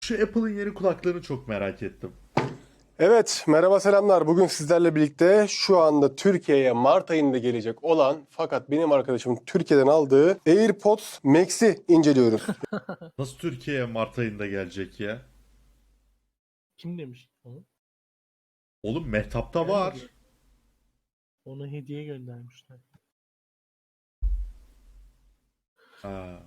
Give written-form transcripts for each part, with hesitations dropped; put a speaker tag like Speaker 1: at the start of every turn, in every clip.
Speaker 1: Şu Apple'ın yeni kulaklığını çok merak ettim.
Speaker 2: Evet, merhaba selamlar. Bugün sizlerle birlikte şu anda Türkiye'ye Mart ayında gelecek olan fakat benim arkadaşımın Türkiye'den aldığı AirPods Max'i inceliyoruz.
Speaker 1: Nasıl Türkiye'ye Mart ayında gelecek ya?
Speaker 3: Kim demiş onu?
Speaker 1: Oğlum Mehtap'ta
Speaker 3: Gelmedi.
Speaker 1: var.
Speaker 3: Ona hediye göndermişler.
Speaker 1: Ha.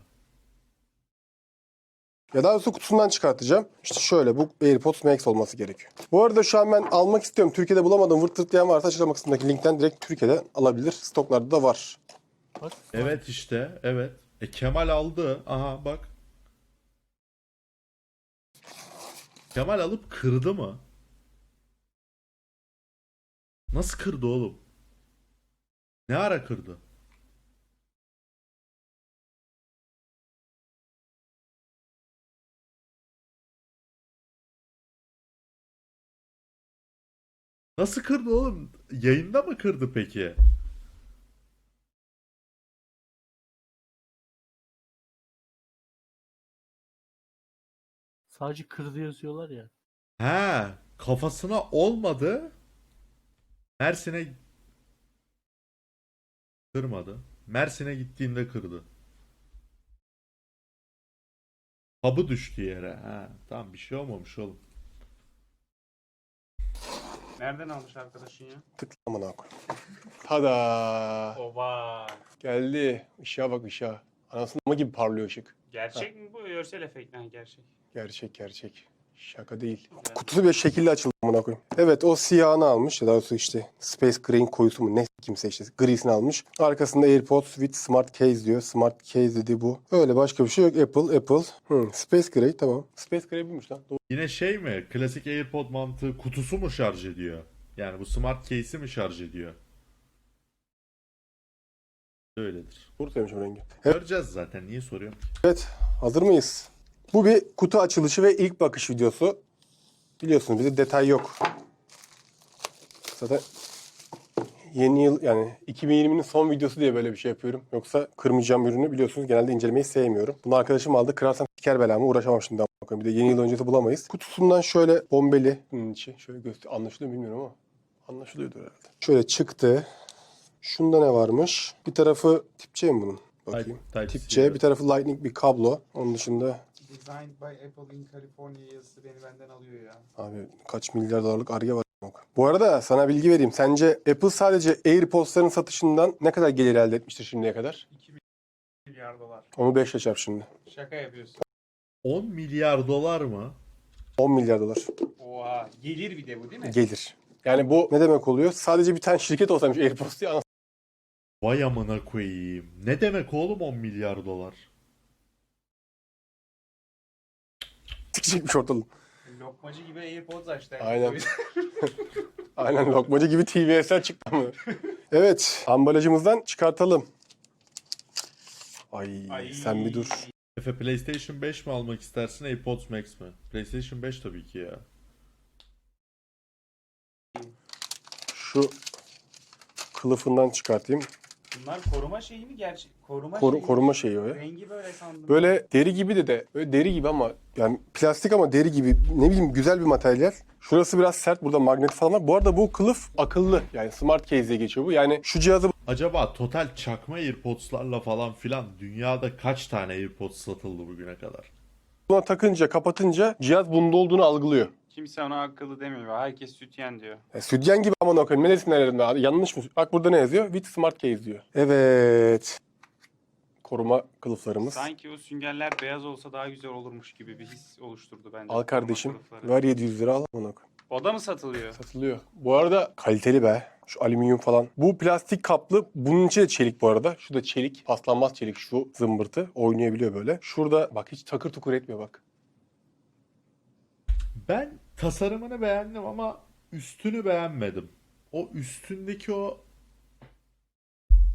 Speaker 2: Ya daha doğrusu kutusundan çıkartacağım. İşte şöyle bu AirPods Max olması gerekiyor. Bu arada şu an ben almak istiyorum. Türkiye'de bulamadım. Vırt tırt diyen varsa açıklama kısmındaki linkten direkt Türkiye'den alabilir. Stoklarda da var.
Speaker 3: Bak.
Speaker 1: Evet işte, evet. Kemal aldı. Aha bak. Kemal alıp kırdı mı? Nasıl kırdı oğlum? Ne ara kırdı? Nasıl kırdı oğlum? Yayında mı kırdı peki?
Speaker 3: Sadece kırdı yazıyorlar ya.
Speaker 1: He, kafasına olmadı. Mersin'e kırmadı. Mersin'e gittiğinde kırdı. Kabı düştü yere. Ha, tamam bir şey olmamış oğlum.
Speaker 4: Nereden almış arkadaşın ya?
Speaker 2: Tıklama koy. Tada!
Speaker 4: Oba.
Speaker 2: Geldi. Işığa bak ışığa. Anasının ama gibi parlıyor ışık.
Speaker 4: Gerçek mi bu? Görsel efekt mi? Gerçek.
Speaker 2: Gerçek gerçek. Şaka değil.
Speaker 4: Güzel.
Speaker 2: Kutusu bir şekilde açıldı amına koyayım. Evet o siyahını almış. Ya daha doğrusu işte Space Grey'in koyusu mu ne kimse işte grisini almış. Arkasında AirPods with Smart Case diyor. Smart Case dedi bu. Öyle başka bir şey yok. Apple. Space Grey tamam. Space Grey buymuş lan. Doğru.
Speaker 1: Yine şey mi? Klasik AirPod mantığı kutusu mu şarj ediyor? Yani bu smart case'i mi şarj ediyor? Öyledir.
Speaker 2: Doğru söylemişim rengi. Evet.
Speaker 1: Göreceğiz zaten. Niye soruyorum?
Speaker 2: Evet. Hazır mıyız? Bu bir kutu açılışı ve ilk bakış videosu. Biliyorsunuz bizde detay yok. Zaten yeni yıl yani 2020'nin son videosu diye böyle bir şey yapıyorum. Yoksa kırmayacağım ürünü biliyorsunuz genelde incelemeyi sevmiyorum. Bunu arkadaşım aldı. Kırarsam siker belamı uğraşamam şimdi. Bir de yeni yıl öncesi bulamayız. Kutusundan şöyle bombeli. Bunun içi. Şöyle anlaşılıyor mu bilmiyorum ama. Anlaşılıyordur herhalde. Şöyle çıktı. Şunda ne varmış? Bir tarafı tip C mi bunun? Bakayım.
Speaker 1: Type-C,
Speaker 2: Tip C.
Speaker 1: evet.
Speaker 2: Bir tarafı Lightning bir kablo. Onun dışında
Speaker 4: Designed by Apple in California yazısı beni benden alıyor ya.
Speaker 2: abi kaç milyar dolarlık Ar-Ge var. Bu arada sana bilgi vereyim. Sence Apple sadece AirPods'ların satışından ne kadar gelir elde etmiştir şimdiye kadar?
Speaker 4: 2 milyar dolar.
Speaker 2: Onu 5'le çarp şimdi.
Speaker 4: Şaka yapıyorsun.
Speaker 1: 10 milyar dolar mı?
Speaker 2: 10 milyar dolar
Speaker 4: Oha. Gelir bir de bu değil mi?
Speaker 2: gelir. Yani bu ne demek oluyor? Sadece bir tane şirket olsaymış AirPods diye anasını
Speaker 1: Vay amına koyayım. Ne demek oğlum 10 milyar dolar?
Speaker 2: sikecekmiş ortalığı.
Speaker 4: Lokmacı gibi AirPods açtı.
Speaker 2: Aynen. Aynen lokmacı gibi TVS'ler çıktı mı? Evet, ambalajımızdan çıkartalım. Ay, sen bir dur.
Speaker 1: Efe PlayStation 5 mi almak istersin AirPods Max mi? PlayStation 5 tabii ki ya.
Speaker 2: Şu kılıfından çıkartayım.
Speaker 4: Bunlar koruma şeyi mi gerçek? Koruma şeyi.
Speaker 2: Koruma şeyi o ya.
Speaker 4: Rengi böyle sandım.
Speaker 2: Böyle deri gibi de böyle deri gibi ama yani plastik ama deri gibi ne bileyim güzel bir materyal. Şurası biraz sert. Burada magnet falan var. Bu arada bu kılıf akıllı. Yani smart case diye geçiyor bu. Yani şu cihazı
Speaker 1: Acaba total çakma AirPods'larla falan filan dünyada kaç tane AirPods satıldı bugüne kadar?
Speaker 2: buna takınca, kapatınca cihaz bunda olduğunu algılıyor.
Speaker 4: Kimse ona akıllı demiyor. Herkes sütyen diyor.
Speaker 2: Sütyen gibi aman okuyayım. Neresinde nerede abi? Yanlış mı? Bak burada ne yazıyor? With smart case diyor. Evet. Koruma kılıflarımız.
Speaker 4: Sanki o süngerler beyaz olsa daha güzel olurmuş gibi bir his oluşturdu bence.
Speaker 2: Al kardeşim.
Speaker 4: Koruma kılıfları.
Speaker 2: Ver 700 lira al aman okuyayım.
Speaker 4: O da mı satılıyor?
Speaker 2: Satılıyor. Bu arada kaliteli be. Şu alüminyum falan. Bu plastik kaplı. Bunun içi de çelik bu arada. Şu da çelik. Paslanmaz çelik şu zımbırtı. Oynayabiliyor böyle. Şurada bak hiç takır tukur etmiyor bak.
Speaker 1: Ben tasarımını beğendim ama üstünü beğenmedim. O üstündeki o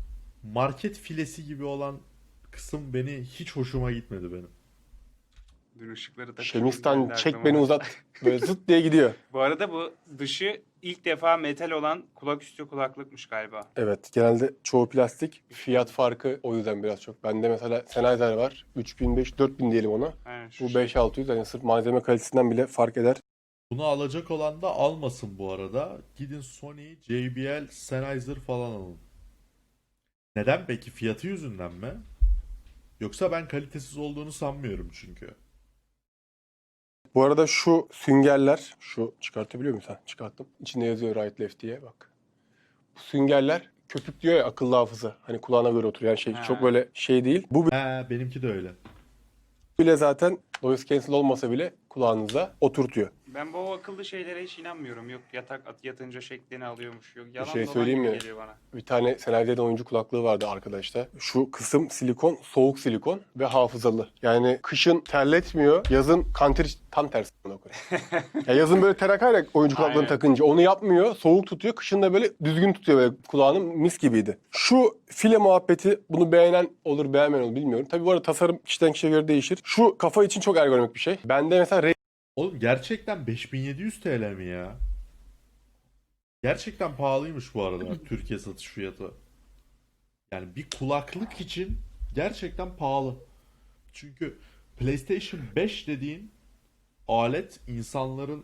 Speaker 1: market filesi gibi olan kısım beni hiç hoşuma gitmedi benim.
Speaker 4: Dün ışıkları takışımız
Speaker 2: Şemistan
Speaker 4: geldi
Speaker 2: çek
Speaker 4: aklıma.
Speaker 2: beni uzat. Böyle zıt diye gidiyor.
Speaker 4: Bu arada bu dışı ilk defa metal olan kulaküstü kulaklıkmış galiba.
Speaker 2: Evet, genelde çoğu plastik. Fiyat farkı o yüzden biraz çok. Bende mesela Sennheiser var. 3500-4000 diyelim ona.
Speaker 4: Aynen şu
Speaker 2: Bu
Speaker 4: şey.
Speaker 2: 5600, yani sırf malzeme kalitesinden bile fark eder.
Speaker 1: Bunu alacak olan da almasın bu arada. Gidin Sony, JBL, Sennheiser falan alın. Neden peki? Fiyatı yüzünden mi? Yoksa ben kalitesiz olduğunu sanmıyorum çünkü.
Speaker 2: Bu arada şu süngerler, şu çıkartabiliyor muyum sen? Çıkarttım. İçinde yazıyor right left diye bak. Bu süngerler köpük diyor ya, akıllı hafıza. Hani kulağına göre oturuyor. Yani
Speaker 4: Ha.
Speaker 2: çok böyle şey değil. Bu
Speaker 1: He, benimki de öyle.
Speaker 2: bile zaten noise cancel olmasa bile kulağınıza oturtuyor.
Speaker 4: Ben bu akıllı şeylere hiç inanmıyorum. Yok yatınca şeklini alıyormuş. Yok yalan
Speaker 2: şey
Speaker 4: dolan
Speaker 2: söyleyeyim
Speaker 4: gibi
Speaker 2: mi?
Speaker 4: geliyor bana.
Speaker 2: Bir tane Sennheiser'de oyuncu kulaklığı vardı arkadaşlar. Şu kısım silikon, soğuk silikon ve hafızalı. Yani kışın terletmiyor, yazın kanter tam tersi. Ya yazın böyle ter akar ya oyuncu kulaklığını
Speaker 4: Aynen.
Speaker 2: takınca. Onu yapmıyor, soğuk tutuyor. Kışın da böyle düzgün tutuyor, böyle kulağını mis gibiydi. Şu file muhabbeti, bunu beğenen olur beğenmeyen olur bilmiyorum. Tabii bu arada tasarım kişiden kişiye göre değişir. Şu kafa için çok ergonomik bir şey. Bende mesela
Speaker 1: Oğlum gerçekten 5700 TL mi ya? Gerçekten pahalıymış bu arada Türkiye satış fiyatı. Yani bir kulaklık için gerçekten pahalı. Çünkü PlayStation 5 dediğin alet insanların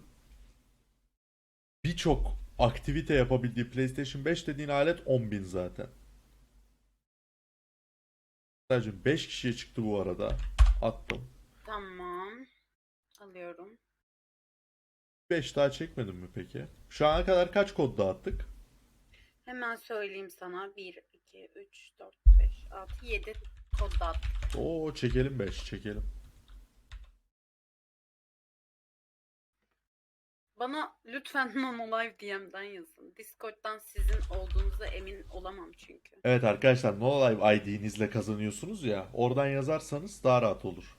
Speaker 1: birçok aktivite yapabildiği PlayStation 5 dediğin alet 10.000 zaten. Sadece 5 kişiye çıktı bu arada. Attım.
Speaker 5: Tamam. Alıyorum.
Speaker 1: 5 daha çekmedin mi peki? Şu ana kadar kaç kod dağıttık?
Speaker 5: Hemen söyleyeyim sana. 1, 2, 3, 4, 5, 6, 7 kod dağıttım.
Speaker 1: Oo, çekelim 5 çekelim.
Speaker 5: Bana lütfen Nanolive DM'den yazın. Discord'dan sizin olduğunuza emin olamam çünkü.
Speaker 1: Evet arkadaşlar, NoLive ID'nizle kazanıyorsunuz ya. Oradan yazarsanız daha rahat olur.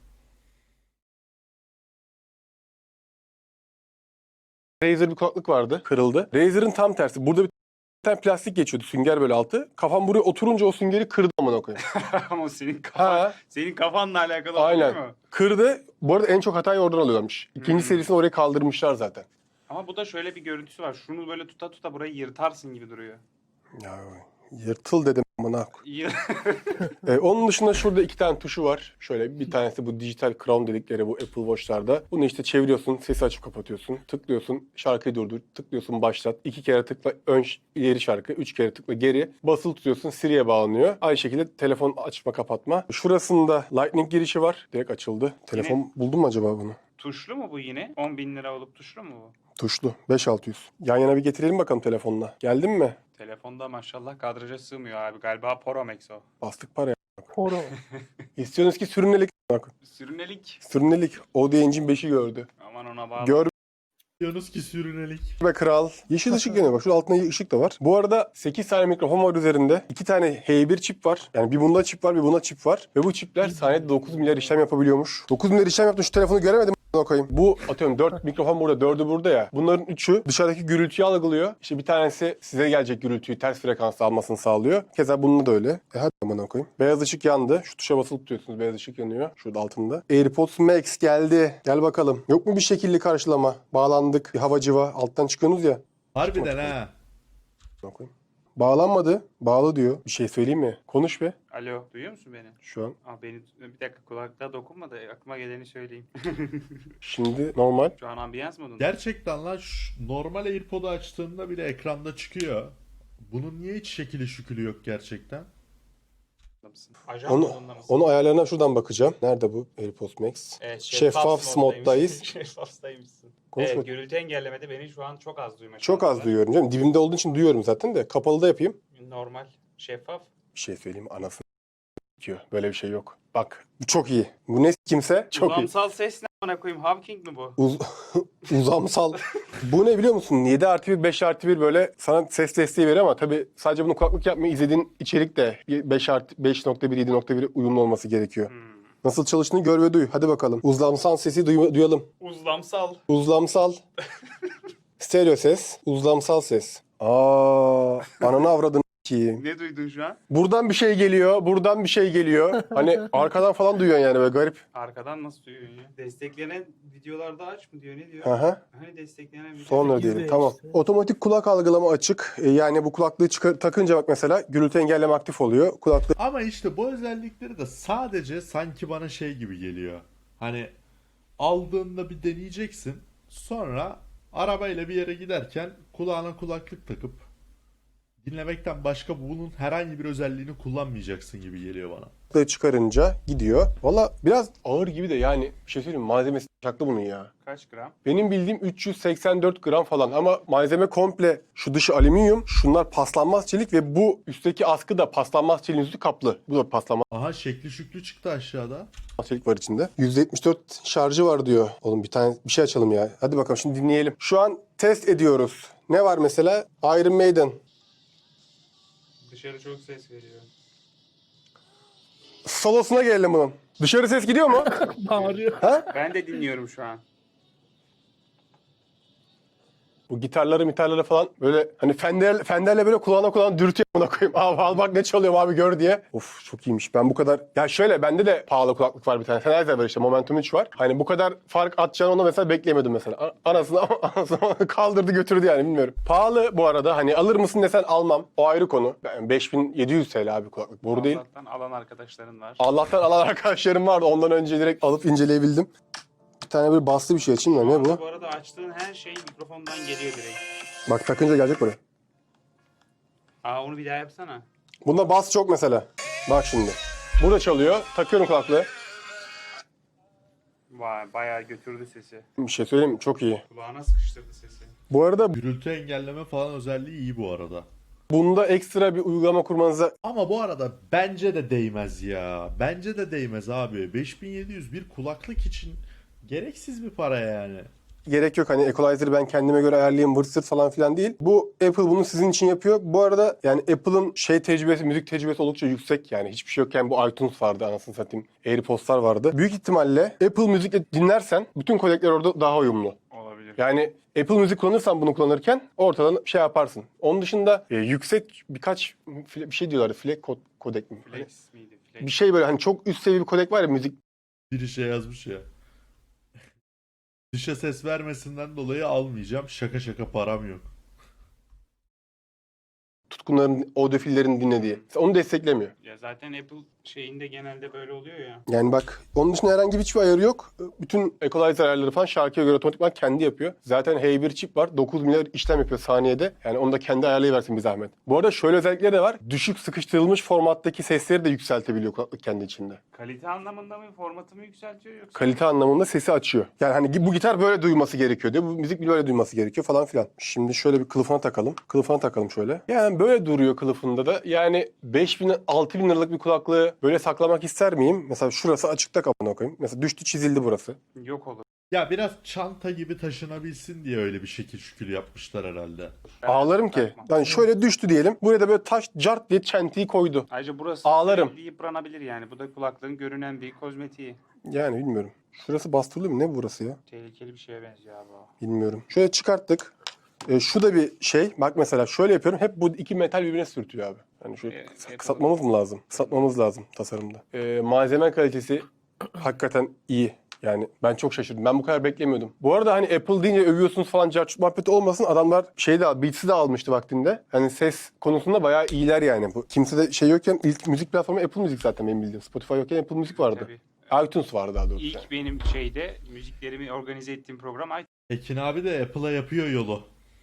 Speaker 2: Razer bir kulaklık vardı, kırıldı. Razer'ın tam tersi. Burada bir tane plastik geçiyordu, sünger böyle altı. Kafam buraya oturunca o süngeri kırdı amına koyayım.
Speaker 4: Ama senin kafanla alakalı
Speaker 2: Aynen.
Speaker 4: değil mi?
Speaker 2: Kırdı. Bu arada en çok hatayı oradan alıyorlarmış. İkinci serisini oraya kaldırmışlar zaten.
Speaker 4: Ama bu da şöyle bir görüntüsü var. Şunu böyle tuta tuta burayı yırtarsın gibi duruyor.
Speaker 2: Ya yırtıl dedim amına koyayım.
Speaker 4: Yır-
Speaker 2: Onun dışında şurada iki tane tuşu var. Şöyle bir tanesi bu dijital crown dedikleri bu Apple Watch'larda. Bunu işte çeviriyorsun, sesi açıp kapatıyorsun. Tıklıyorsun, şarkıyı durdur. Tıklıyorsun, başlat. 2 kere tıkla ileri şarkı, 3 kere tıkla geri. Basılı tutuyorsun, Siri'ye bağlanıyor. Aynı şekilde telefon açma kapatma. Şurasında Lightning girişi var. Direkt açıldı. Telefon buldun mu acaba bunu?
Speaker 4: Tuşlu mu bu yine? 10.000 lira olup tuşlu mu bu?
Speaker 2: Tuşlu. 5600. Yan yana bir getirelim bakalım telefonla. Geldin mi?
Speaker 4: Telefonda maşallah kadraja sığmıyor abi. Galiba Pro Max o.
Speaker 2: Bastık paraya.
Speaker 3: Koro.
Speaker 2: İstiyorsunuz ki sürünelik. Bak,
Speaker 4: Sürünelik.
Speaker 2: sürünelik. Audio Engine 5'i gördü.
Speaker 4: Aman ona bağlı.
Speaker 2: Gör
Speaker 1: Diyorsunuz ki sürünelik.
Speaker 2: be kral. Yeşil ışık yanıyor. Bak şurada altında ışık da var. Bu arada 8 tane mikrofon var üzerinde. 2 tane H1 çip var. Yani bir bunda çip var, bir bunda çip var. Ve bu çipler saniyede 9 milyar işlem yapabiliyormuş. 9 milyar işlem yaptım, şu telefonu göremedim. Koyayım. Bu atıyorum 4 mikrofon burada, 4'ü burada ya. Bunların 3'ü dışarıdaki gürültüyü algılıyor. İşte bir tanesi size gelecek gürültüyü ters frekansta almasını sağlıyor. Keza bununla da öyle. Hadi bana koyayım. Beyaz ışık yandı. Şu tuşa basılı tutuyorsunuz. Beyaz ışık yanıyor. Şurada altında. AirPods Max geldi. Gel bakalım. Yok mu bir şekilli karşılama? Bağlandık. Bir hava civa. Alttan çıkıyorsunuz ya.
Speaker 1: Harbiden ha.
Speaker 2: Koyayım. Bağlanmadı. Bağlı diyor. Bir şey söyleyeyim mi? Konuş be.
Speaker 4: Alo, duyuyor musun beni?
Speaker 2: Şu an.
Speaker 4: Bir dakika kulaklığa dokunma da aklıma geleni söyleyeyim.
Speaker 2: Şimdi normal.
Speaker 4: Şu an ambiyans modunda.
Speaker 1: Gerçekten lan normal AirPod'u açtığında bile ekranda çıkıyor. Bunun niye hiç şekili şükülü yok gerçekten?
Speaker 4: Mısın? Ajan modunda mısın?
Speaker 2: Onu ayarlarına şuradan bakacağım. Nerede bu AirPods Max?
Speaker 4: Evet,
Speaker 2: Şeffaf moddayız.
Speaker 4: Şeffafdaymışsın.
Speaker 2: Konuşma.
Speaker 4: Evet, gürültü engellemede beni şu an çok az duyma
Speaker 2: Çok
Speaker 4: şansı
Speaker 2: az
Speaker 4: var.
Speaker 2: duyuyorum canım. Dibimde olduğu için duyuyorum zaten de. Kapalı da yapayım.
Speaker 4: Normal, şeffaf.
Speaker 2: Bir şey söyleyeyim, anasını diyor. Böyle bir şey yok. Bak bu çok iyi. Bu ne kimse çok iyi.
Speaker 4: Uzamsal ses ne amına koyayım? Hawking mi bu?
Speaker 2: Uzamsal. Bu ne biliyor musun? 7+1, 5+1 böyle sana ses desteği veriyor ama tabii sadece bunu kulaklık yapmayı izlediğin içerik de 5.1, 7.1 uyumlu olması gerekiyor. Nasıl çalıştığını gör ve duy. Hadi bakalım. Uzlamsal sesi duyalım.
Speaker 4: Uzlamsal.
Speaker 2: Uzlamsal. Stereo ses. Uzlamsal ses. Ananı avradın. Ki
Speaker 4: Ne duydun şu an?
Speaker 2: buradan bir şey geliyor, buradan bir şey geliyor. Hani arkadan falan duyuyorsun yani böyle garip.
Speaker 4: Arkadan nasıl duyuyorsun ya? Desteklenen videolarda aç mı diyor, ne diyor?
Speaker 2: Aha.
Speaker 4: Hani desteklenen video.
Speaker 2: Sonra
Speaker 3: 8
Speaker 2: diyelim.
Speaker 3: de
Speaker 2: Tamam.
Speaker 3: işte.
Speaker 2: Otomatik kulak algılama açık. Yani bu kulaklığı takınca bak mesela gürültü engelleme aktif oluyor. Kulaklığı
Speaker 1: Ama işte bu özellikleri de sadece sanki bana şey gibi geliyor. Hani aldığında bir deneyeceksin. Sonra arabayla bir yere giderken kulağına kulaklık takıp dinlemekten başka bunun herhangi bir özelliğini kullanmayacaksın gibi geliyor bana.
Speaker 2: çıkarınca gidiyor. Valla biraz ağır gibi de yani bir şey söyleyeyim mi? Malzemesi çaklı bunun ya.
Speaker 4: Kaç gram?
Speaker 2: Benim bildiğim 384 gram falan ama malzeme komple şu dışı alüminyum, şunlar paslanmaz çelik ve bu üstteki askı da paslanmaz çeliğin üstü kaplı. Bu da paslanmaz
Speaker 1: Aha şekli şüklü çıktı aşağıda.
Speaker 2: çelik var içinde. 174 şarjı var diyor. Oğlum bir şey açalım ya. Hadi bakalım şimdi dinleyelim. Şu an test ediyoruz. Ne var mesela? Iron Maiden.
Speaker 4: Dışarı çok ses veriyor.
Speaker 2: Solosuna gelelim bunun. Dışarı ses gidiyor mu?
Speaker 3: Bağırıyor.
Speaker 2: Ha?
Speaker 4: Ben de dinliyorum şu an.
Speaker 2: Bu gitarları falan böyle hani Fender'le böyle kulağına dürtüyor buna koyayım. Abi al bak ne çalıyorum abi gör diye. Of çok iyiymiş. Ben bu kadar... Ya şöyle bende de pahalı kulaklık var bir tane. Sennheiser var işte Momentum 3 var. Hani bu kadar fark atacağını ona mesela bekleyemedim mesela. Anasını kaldırdı götürdü yani bilmiyorum. Pahalı bu arada hani alır mısın desen almam. O ayrı konu. Ben 5700 TL abi kulaklık. Boru değil.
Speaker 4: Allah'tan alan arkadaşların var.
Speaker 2: Allah'tan alan arkadaşlarım vardı. Ondan önce direkt alıp inceleyebildim. Bir tane böyle baslı bir şey açayım da ne bu?
Speaker 4: Bu arada açtığın her şey mikrofondan geliyor direkt.
Speaker 2: Bak takınca gelecek buraya.
Speaker 4: Aa, onu bir daha yapsana.
Speaker 2: Bunda bas çok mesela. Bak şimdi. Burada çalıyor. Takıyorum kulaklığı.
Speaker 4: Vay, bayağı götürdü sesi.
Speaker 2: Bir şey söyleyeyim mi? Çok iyi.
Speaker 4: Kulağına sıkıştırdı sesi.
Speaker 2: Bu arada
Speaker 1: Gürültü engelleme falan özelliği iyi bu arada.
Speaker 2: bunda ekstra bir uygulama kurmanıza
Speaker 1: Ama bu arada bence de değmez ya. Bence de değmez abi. 5700 bir kulaklık için gereksiz bir para yani.
Speaker 2: gerek yok. Hani equalizer'ı ben kendime göre ayarlayayım vırt zırt falan filan değil. Bu Apple bunu sizin için yapıyor. Bu arada yani Apple'ın müzik tecrübesi oldukça yüksek yani. Hiçbir şey yokken bu iTunes vardı anasını satayım. AirPods'lar vardı. Büyük ihtimalle Apple Müzik'le dinlersen bütün kodekler orada daha uyumlu.
Speaker 4: Olabilir.
Speaker 2: Yani Apple Müzik kullanırsan bunu kullanırken ortadan şey yaparsın. Onun dışında yüksek birkaç bir şey diyorlar. Kodek mi? Hani
Speaker 4: Flex miydi? Flex.
Speaker 2: bir şey böyle hani çok üst seviye bir kodek var ya müzik.
Speaker 1: Biri şey yazmış ya. Dışa ses vermesinden dolayı almayacağım. Şaka şaka param yok.
Speaker 2: Tutkunların, audiofillerin dinlediği. Onu desteklemiyor.
Speaker 4: Ya zaten Apple şeyinde genelde böyle oluyor ya.
Speaker 2: Yani bak onun dışında herhangi hiçbir ayarı yok. Bütün equalizer ayarları falan şarkıya göre otomatikman kendi yapıyor. Zaten H1 çip var. 9 milyar işlem yapıyor saniyede. Yani onu da kendi ayarlayıversin bir zahmet. Bu arada şöyle özellikleri de var. Düşük sıkıştırılmış formattaki sesleri de yükseltebiliyor kulaklık kendi içinde.
Speaker 4: Kalite anlamında mı, formatı mı yükseltiyor yoksa?
Speaker 2: Kalite anlamında sesi açıyor. Yani hani bu gitar böyle duyması gerekiyor diyor. Bu müzik böyle duyması gerekiyor falan filan. Şimdi şöyle bir kılıfına takalım. Kılıfına takalım şöyle. Yani böyle duruyor kılıfında da. Yani 5000 liralık bir kulaklığı böyle saklamak ister miyim? Mesela şurası açıkta kapına koyayım. Mesela düştü çizildi burası.
Speaker 4: Yok olur.
Speaker 1: Ya biraz çanta gibi taşınabilsin diye öyle bir şekil şükür yapmışlar herhalde.
Speaker 4: Ben
Speaker 2: Ağlarım ki.
Speaker 4: takmam.
Speaker 2: Yani şöyle düştü diyelim. Buraya da böyle taş cart diye çentiyi koydu.
Speaker 4: Ayrıca burası
Speaker 2: Ağlarım.
Speaker 4: sürekli yıpranabilir yani. Bu da kulaklığın görünen bir kozmetiği.
Speaker 2: Yani bilmiyorum. Şurası bastırılıyor mu? Ne burası ya?
Speaker 4: Tehlikeli bir şeye benziyor abi o.
Speaker 2: Bilmiyorum. Şöyle çıkarttık. Şu da bir şey. Bak mesela şöyle yapıyorum. Hep bu iki metal birbirine sürtüyor abi. Yani şöyle kısaltmamız mı lazım? Kısaltmamız lazım tasarımda. Malzeme kalitesi hakikaten iyi. Yani ben çok şaşırdım. Ben bu kadar beklemiyordum. Bu arada hani Apple deyince övüyorsunuz falan carçut muhabbeti olmasın. Adamlar Beats'i de almıştı vaktinde. Hani ses konusunda bayağı iyiler yani. Bu kimse de şey yokken ilk müzik platformu Apple Müzik zaten benim bildiğim. Spotify yokken Apple Müzik vardı.
Speaker 4: Tabii.
Speaker 2: iTunes vardı daha doğrusu.
Speaker 4: İlk
Speaker 2: Yani.
Speaker 4: benim müziklerimi organize ettiğim program
Speaker 1: Ekin abi de Apple'a yapıyor yolu.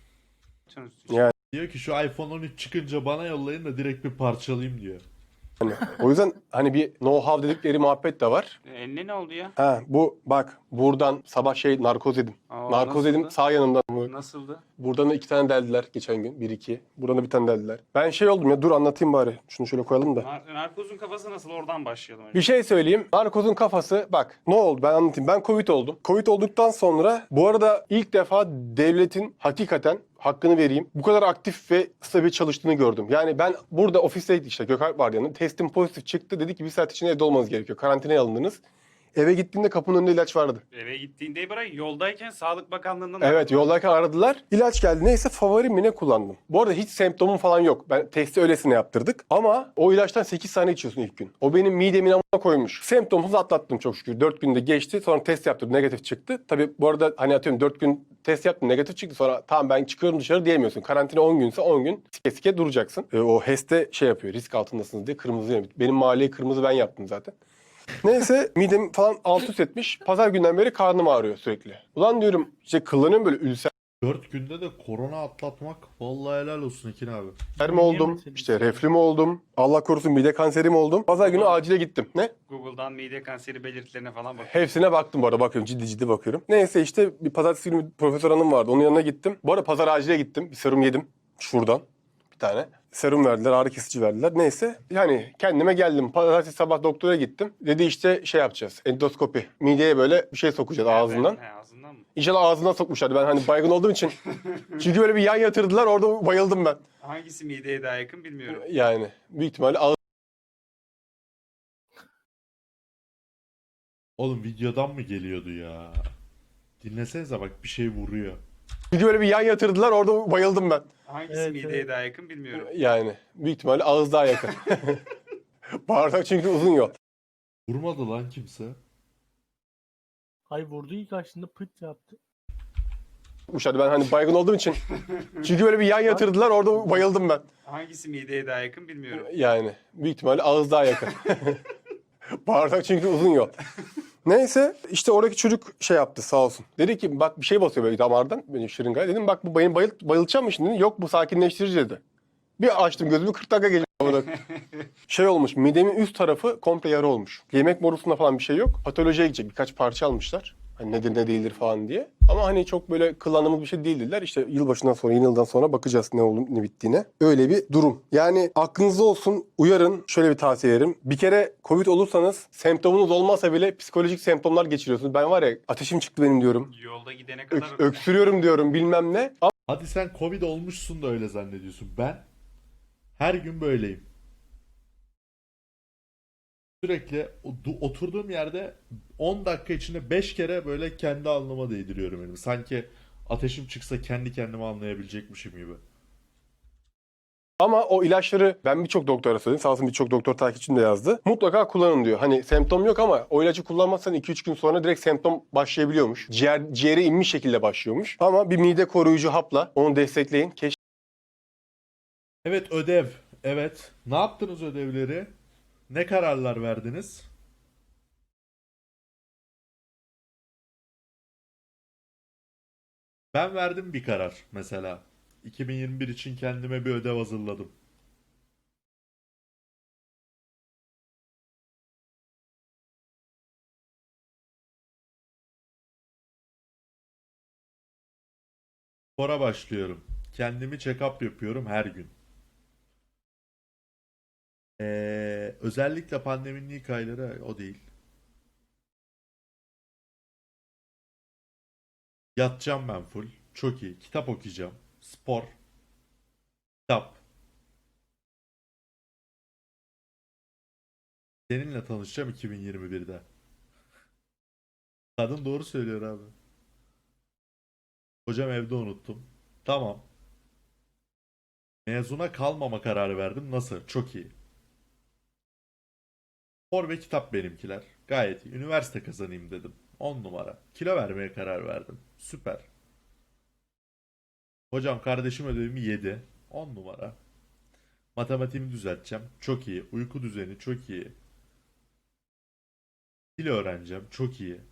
Speaker 4: iTunes.
Speaker 2: Yani.
Speaker 1: Diyor ki şu iPhone 13 çıkınca bana yollayın da direkt bir parçalayayım diyor.
Speaker 2: Hani, o yüzden hani bir know-how dedikleri muhabbet de var.
Speaker 4: Eline ne oldu ya?
Speaker 2: Ha bu bak buradan sabah narkoz yedim.
Speaker 4: Aa,
Speaker 2: Narkoz yedim
Speaker 4: nasıldı?
Speaker 2: sağ yanımdan.
Speaker 4: Nasıldı?
Speaker 2: Buradan da 2 tane deldiler geçen gün. 1-2. Buradan da bir tane deldiler. Ben şey oldum ya dur anlatayım bari. Şunu şöyle koyalım da.
Speaker 4: Narkozun kafası nasıl? Oradan başlayalım önce.
Speaker 2: Bir şey söyleyeyim. Narkozun kafası bak ne oldu ben anlatayım. Ben Covid oldum. Covid olduktan sonra bu arada ilk defa devletin hakikaten hakkını vereyim. Bu kadar aktif ve stabil çalıştığını gördüm. Yani ben burada ofisteydik işte Gökalp vardı yanında. Testim pozitif çıktı. Dedi ki bir saat içinde evde olmanız gerekiyor. Karantinaya alındınız. Eve gittiğimde kapının önünde ilaç vardı.
Speaker 4: Eve gittiğinde bırak yoldayken Sağlık Bakanlığı'ndan
Speaker 2: Evet, yoldayken aradılar. İlaç geldi. Neyse favorim mi ne kullandım. Bu arada hiç semptomum falan yok. Ben testi öylesine yaptırdık. Ama o ilaçtan 8 tane içiyorsun ilk gün. O benim midemin amına koymuş. Semptomsuz atlattım çok şükür. 4 günde geçti. Sonra test yaptırdım. Negatif çıktı. Tabii bu arada hani atıyorum 4 gün test yaptım. Negatif çıktı. Sonra tamam ben çıkıyorum dışarı diyemiyorsun. Karantina 10 günse 10 gün sike sike duracaksın. O HES'te şey yapıyor. Risk altındasınız diye kırmızı yanıyor. Benim mahalleyi kırmızı ben yaptım zaten. Neyse midem falan alt üst etmiş. Pazar günden beri karnım ağrıyor sürekli. Ulan diyorum işte kullanıyorum böyle ülser
Speaker 1: 4 günde de korona atlatmak vallahi helal olsun Ekin abi.
Speaker 2: mi oldum, işte reflü mü oldum, Allah korusun mide kanseri mi oldum. Pazar günü acile gittim. Ne?
Speaker 4: Google'dan mide kanseri belirtilerine falan bak.
Speaker 2: Hepsine baktım bu arada, bakıyorum ciddi ciddi bakıyorum. Neyse işte bir pazartesi günü bir profesör hanım vardı, onun yanına gittim. Bu arada pazar acile gittim, bir serum yedim şuradan bir tane. Serum verdiler, ağrı kesici verdiler. Neyse yani kendime geldim. Pazartesi sabah doktora gittim. Dedi işte şey yapacağız, endoskopi. Mideye böyle bir şey sokacağız ağzından.
Speaker 4: He, ağzından mı?
Speaker 2: İnşallah ağzından sokmuşlardı. Ben hani baygın olduğum için. Çünkü böyle bir yan yatırdılar, orada bayıldım ben.
Speaker 4: Hangisi mideye daha yakın bilmiyorum.
Speaker 2: Yani büyük ihtimalle ağız.
Speaker 1: Oğlum videodan mı geliyordu ya? Dinlesenize bak bir şey vuruyor.
Speaker 2: Çünkü böyle bir yan yatırdılar, orada bayıldım ben.
Speaker 4: Hangisi
Speaker 3: Evet,
Speaker 4: mideye
Speaker 3: evet.
Speaker 4: daha yakın bilmiyorum.
Speaker 2: Yani büyük ihtimalle ağız daha yakın. Bağırsak çünkü uzun yol.
Speaker 1: Vurmadı lan kimse.
Speaker 3: Hay vurdu ilk açtığında pıt yaptı.
Speaker 2: Hadi ben hani baygın olduğum için. Çünkü böyle bir yan yatırdılar, orada bayıldım ben.
Speaker 4: Hangisi mideye daha yakın bilmiyorum.
Speaker 2: Yani büyük ihtimalle ağız daha yakın. Bağırsak çünkü uzun yol. Neyse işte oradaki çocuk şey yaptı sağ olsun. Dedi ki bak bir şey basıyor böyle damardan, benim şırıngaya. Dedim bak bu beni bayıltacak mı şimdi? Dedi. Yok bu sakinleştirici dedi. Bir açtım gözümü 40 dakika geçti. Şey olmuş, midemin üst tarafı komple yara olmuş. Yemek borusunda falan bir şey yok. Patolojiye gidecek, birkaç parça almışlar. Hani nedir ne değildir falan diye. Ama hani çok böyle kullandığımız bir şey değil dediler. İşte yılbaşından sonra, yeni yıldan sonra bakacağız ne olup ne bittiğine. Öyle bir durum. Yani aklınızda olsun, uyarın. Şöyle bir tavsiye ederim. Bir kere Covid olursanız semptomunuz olmasa bile psikolojik semptomlar geçiriyorsunuz. Ben var ya ateşim çıktı benim diyorum.
Speaker 4: Yolda gidene kadar
Speaker 2: Öksürüyorum diyorum bilmem ne.
Speaker 1: Hadi sen Covid olmuşsun da öyle zannediyorsun. Ben her gün böyleyim. Sürekli oturduğum yerde 10 dakika içinde 5 kere böyle kendi alnıma değdiriyorum elimi. Sanki ateşim çıksa kendi kendime anlayabilecekmişim gibi.
Speaker 2: Ama o ilaçları ben birçok doktora söyledim. Sağ olsun birçok doktor takipçim de yazdı. Mutlaka kullanın diyor. Hani semptom yok ama o ilacı kullanmazsan 2-3 gün sonra direkt semptom başlayabiliyormuş. Ciğere inmiş şekilde başlıyormuş. Ama bir mide koruyucu hapla onu destekleyin.
Speaker 1: Evet ödev. Evet. Ne yaptınız ödevleri? Ne kararlar verdiniz? Ben verdim bir karar mesela. 2021 için kendime bir ödev hazırladım. Spora başlıyorum. Kendimi check-up yapıyorum her gün. Özellikle pandeminin ilk ayları o değil. Yatacağım ben full. Çok iyi. Kitap okuyacağım. Spor. Kitap. Seninle tanışacağım 2021'de. Kadın doğru söylüyor abi. Hocam evde unuttum. Tamam. Mezuna kalmama kararı verdim. Nasıl? Çok iyi. Spor ve kitap benimkiler. Gayet iyi. Üniversite kazanayım dedim. 10 numara. Kilo vermeye karar verdim. Süper. Hocam kardeşim ödevimi yedi. 10 numara. Matematiğimi düzelteceğim. Çok iyi. Uyku düzeni çok iyi. Dil öğreneceğim. Çok iyi.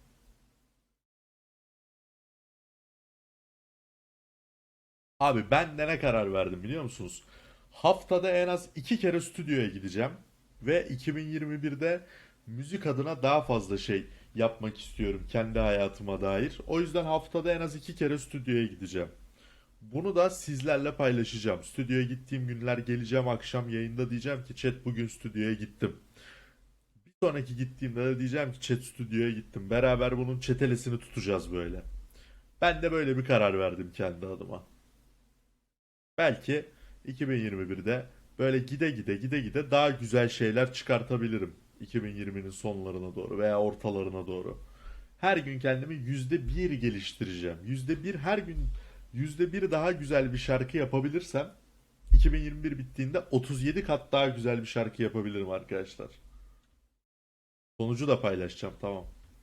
Speaker 1: Abi ben de ne karar verdim biliyor musunuz? Haftada en az 2 kere stüdyoya gideceğim. Ve 2021'de müzik adına daha fazla şey yapmak istiyorum kendi hayatıma dair. O yüzden haftada en az 2 kere stüdyoya gideceğim. Bunu da sizlerle paylaşacağım. Stüdyoya gittiğim günler geleceğim akşam yayında diyeceğim ki chat bugün stüdyoya gittim. Bir sonraki gittiğimde de diyeceğim ki chat stüdyoya gittim. Beraber bunun çetelesini tutacağız böyle. Ben de böyle bir karar verdim kendi adıma. Belki 2021'de böyle gide gide daha güzel şeyler çıkartabilirim. 2020'nin sonlarına doğru veya ortalarına doğru. Her gün kendimi %1 geliştireceğim. %1 her gün %1 daha güzel bir şarkı yapabilirsem 2021 bittiğinde 37 kat daha güzel bir şarkı yapabilirim arkadaşlar. Sonucu da paylaşacağım, tamam.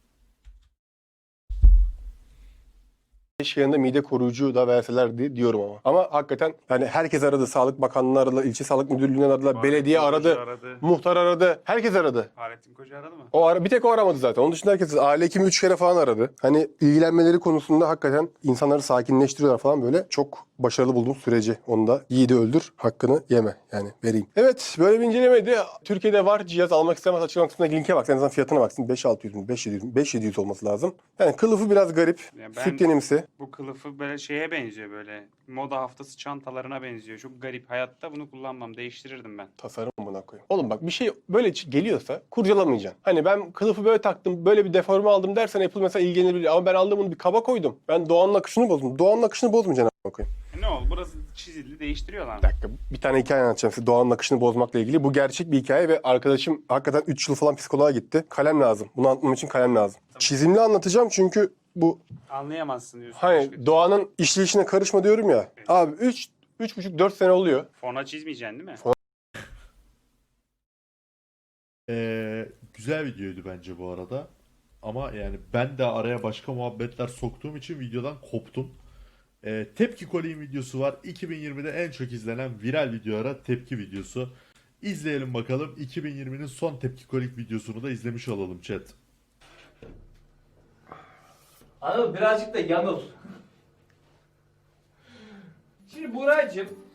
Speaker 2: Keşke yanında mide koruyucu da verselerdi diyorum ama. Ama hakikaten yani herkes aradı. Sağlık Bakanlığı aradılar, ilçe sağlık müdürlüğünden aradılar,
Speaker 4: Fahrettin
Speaker 2: belediye
Speaker 4: Koca
Speaker 2: aradı,
Speaker 4: aradı.
Speaker 2: muhtar aradı, herkes aradı.
Speaker 4: Fahrettin Koca aradı mı?
Speaker 2: Bir tek o aramadı zaten. Onun dışında herkes aile hekimi 3 kere falan aradı. Hani ilgilenmeleri konusunda hakikaten insanları sakinleştiriyorlar falan böyle. Çok başarılı buldum süreci. Onu da yiğidi öldür, hakkını yeme. Yani vereyim. Evet, böyle bir incelemeydi. Türkiye'de var cihaz, almak istemez, açıklama kısmındaki linke bak. En azından fiyatına baksın. 5-600 mü? 5-700 mü? 5-700 olması lazım. Yani kılıfı biraz garip.
Speaker 4: Ya ben-
Speaker 2: Sütyenimsi.
Speaker 4: Bu kılıfı böyle şeye benziyor böyle. Moda haftası çantalarına benziyor. Çok garip. Hayatta bunu kullanmam. Değiştirirdim ben.
Speaker 2: Tasarım buna koyayım. Oğlum bak bir şey böyle geliyorsa kurcalamayacaksın. Hani ben kılıfı böyle taktım, böyle bir deforme aldım dersen Apple mesela ilgilenebilir. Ama ben aldım bunu bir kaba koydum. Ben Doğan'ın akışını bozdum. Doğan'ın akışını bozmayacaksın a**ına koyayım.
Speaker 4: Ne oldu? Burası çizildi. Değiştiriyorlar
Speaker 2: Bir
Speaker 4: mı?
Speaker 2: dakika bir tane hikaye anlatacağım size Doğan'ın akışını bozmakla ilgili. Bu gerçek bir hikaye ve arkadaşım hakikaten 3 yıl falan psikoloğa gitti. Kalem lazım. Bunu anlatmam için kalem lazım. Çizimli anlatacağım çünkü bu
Speaker 4: Anlayamazsın diyorsun.
Speaker 2: hani Doğan'ın işleyişine karışma diyorum ya. Abi 3,5-4 sene oluyor.
Speaker 4: Fona çizmeyeceksin değil mi?
Speaker 1: Güzel videoydu bence bu arada. Ama yani ben de araya başka muhabbetler soktuğum için videodan koptum. Tepki Kolik'in videosu var. 2020'de en çok izlenen viral videolara tepki videosu. İzleyelim bakalım. 2020'nin son Tepki Kolik videosunu da izlemiş olalım chat.
Speaker 6: Anladın mı? Birazcık da yanıl. Şimdi Buracığım